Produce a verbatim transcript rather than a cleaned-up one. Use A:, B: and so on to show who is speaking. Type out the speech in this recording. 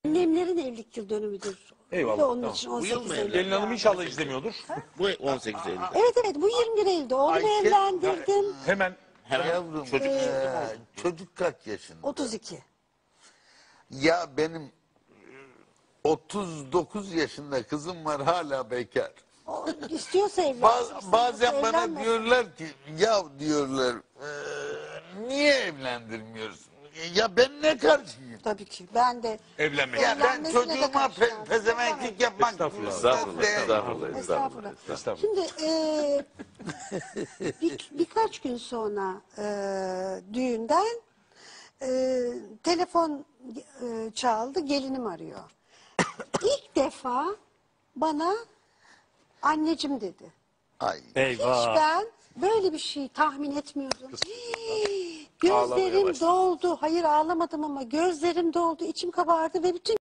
A: Annemlerin evlilik yıl dönümüdür.
B: Eyvallah,
A: Ve onun
B: tamam.
A: için
C: Bu
A: on
C: yıl
A: sekiz
C: mı
A: Eylül.
B: Gelin hanım inşallah izlemiyordur.
C: Bu on sekiz Eylül.
A: Evet evet, bu yirmi bir Eylül'de. Oğlumu
D: Ayşe-
A: evlendirdim.
B: Hemen
C: Hemen
D: Yavrum,
C: çocuk
D: eee, çocuk kaç yaşında?
A: otuz iki.
D: Ya benim otuz dokuz yaşında kızım var, hala bekar.
A: O istiyorsa evlensin.
D: Ba-
A: istemiyorsa
D: bazen bana
A: evlenmesin.
D: diyorlar ki, ya diyorlar, eee, niye evlendirmiyorsun? Ya ben ne karşıyım?
A: Tabii ki. Ben de
B: evlenmek.
D: Ya ben
A: Evlenmesine de
D: çocuğuma
A: karşıyım.
D: pe pezevenklik yapmak
B: Estağfurullah.
C: Estağfurullah,
D: değil.
C: estağfurullah,
A: Estağfurullah.
C: estağfurullah.
B: Estağfurullah.
A: Şimdi e, bir, birkaç gün sonra e, düğünden e, telefon e, çaldı, gelinim arıyor. İlk defa bana anneciğim dedi.
D: Ay.
A: Hiç
B: Eyvah.
A: ben böyle bir şey tahmin etmiyordum. Hii,
C: Ağlamaya
A: gözlerim
C: başladı.
A: doldu. Hayır, ağlamadım ama gözlerim doldu, içim kabardı ve bütün